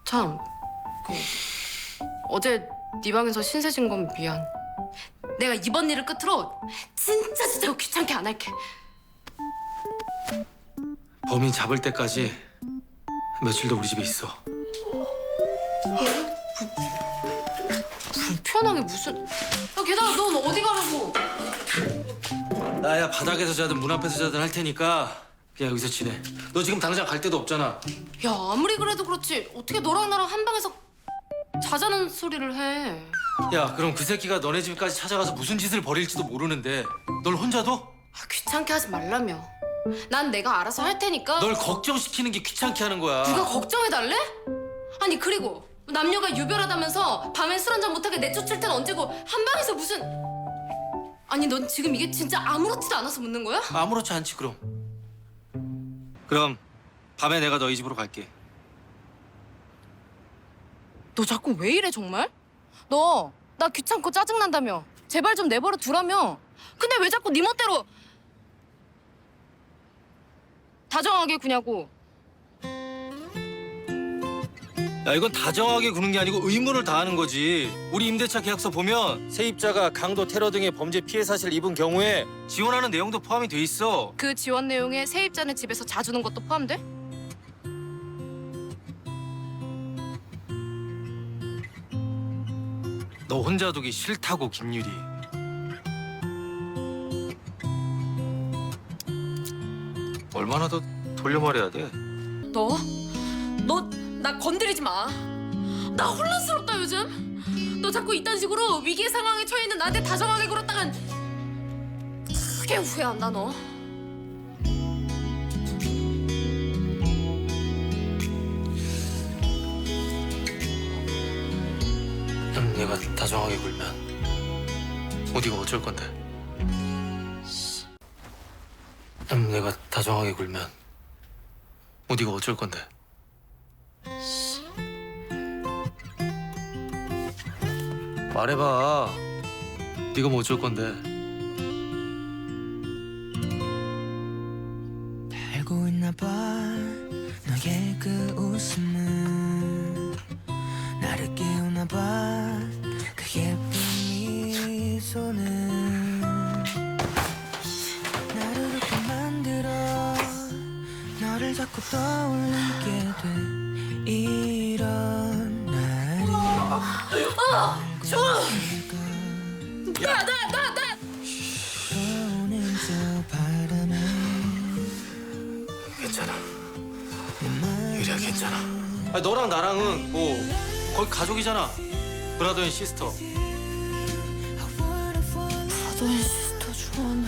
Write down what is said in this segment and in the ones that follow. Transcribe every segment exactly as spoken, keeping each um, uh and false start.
참, 그 어제 네 방에서 신세 진 건 미안. 내가 이번 일을 끝으로 진짜 진짜 귀찮게 안 할게. 범인 잡을 때까지 며칠 더 우리 집에 있어. 불편하게 무슨... 야, 게다가 넌 어디 가려고? 나야 바닥에서 자든 문 앞에서 자든 할 테니까 그냥 여기서 지내. 너 지금 당장 갈 데도 없잖아. 야, 아무리 그래도 그렇지 어떻게 너랑 나랑 한 방에서 자자는 소리를 해. 야, 그럼 그 새끼가 너네 집까지 찾아가서 무슨 짓을 벌일지도 모르는데 널 혼자 둬? 아, 귀찮게 하지 말라며. 난 내가 알아서 할 테니까. 널 걱정시키는 게 귀찮게 하는 거야. 누가 걱정해달래? 아니 그리고 남녀가 유별하다면서 밤엔 술 한잔 못하게 내쫓을 땐 언제고 한 방에서 무슨... 아니 넌 지금 이게 진짜 아무렇지도 않아서 묻는 거야? 아무렇지 않지 그럼. 그럼 밤에 내가 너희 집으로 갈게. 너 자꾸 왜 이래 정말? 너 나 귀찮고 짜증난다며. 제발 좀 내버려 두라며. 근데 왜 자꾸 네 멋대로 다정하게 구냐고. 야, 이건 다정하게 구는 게 아니고 의무를 다하는 거지. 우리 임대차 계약서 보면 세입자가 강도, 테러 등의 범죄 피해 사실을 입은 경우에 지원하는 내용도 포함이 돼 있어. 그 지원 내용에 세입자네 집에서 자주는 것도 포함돼? 너 혼자 두기 싫다고, 김유리. 얼마나 더 돌려 말해야 돼? 너? 너 나 건드리지 마. 나 혼란스럽다 요즘. 너 자꾸 이딴 식으로 위기의 상황에 처해 있는 나한테 다정하게 굴었다간 크게 후회한다 너. 음, 내가 다정하게 굴면 어디가 어쩔 건데? 음, 내가 다정하게 굴면 어디가 어쩔 건데? 말해봐. 네가 뭐 어쩔 건데? 알고 있나 봐 너의 그 웃음은 나를 깨우나 봐 그 예쁜 미소는 나를 웃게 만들어 너를 자꾸 떠올리게 돼 이런 날이 좋아. 야, 나, 나, 나. 오는 저 바람에 괜찮아. 유리야, 괜찮아. 아니, 너랑 나랑은 뭐 거의 가족이잖아. 브라더 앤 시스터. 브라더 앤 시스터 좋아하네.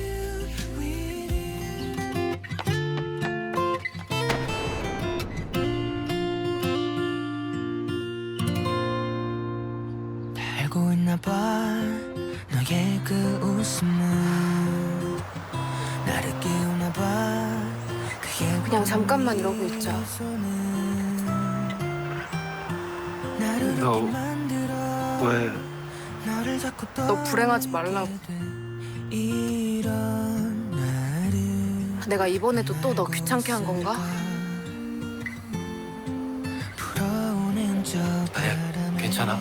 알고 있나 봐 너의 그 웃음은 나를 깨우나 봐 그게 그냥 잠깐만 이러고 있자. 나를 너 웃게 만들어 왜? 너를 자꾸 너 불행하지 말라고. 이런 날을 내가 이번에도 또 너 귀찮게 한 건가? 불어오는 저 아니야, 바람에 괜찮아.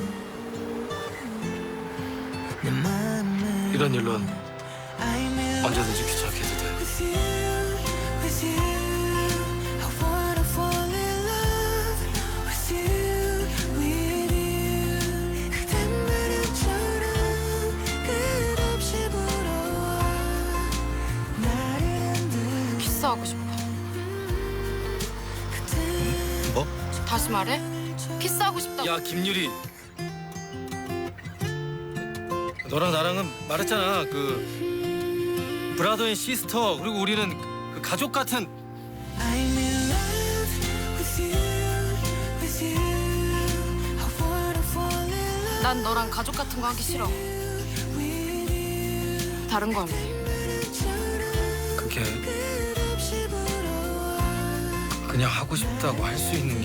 내 맘을 이런 일론 I'm in 언제든지 귀찮게 해도 돼. with you, with you. I wanna fall in love with you, with you. 그댄 바람처럼 끝없이 불어와 나를 흔들어. 키스하고 싶어. 뭐? 다시 말해. 키스하고 싶다고. 야, 김유리. 너랑 나랑은 말했잖아. 그 브라더 앤 시스터. 그리고 우리는 그 가족 같은. I'm in love with you, with you. I wanna fall in love 난 너랑 가족 같은 거 하기 싫어. with you. 다른 거 할래. 그게 끝없이 불어와 그냥 하고 싶다고 할 수 있는 게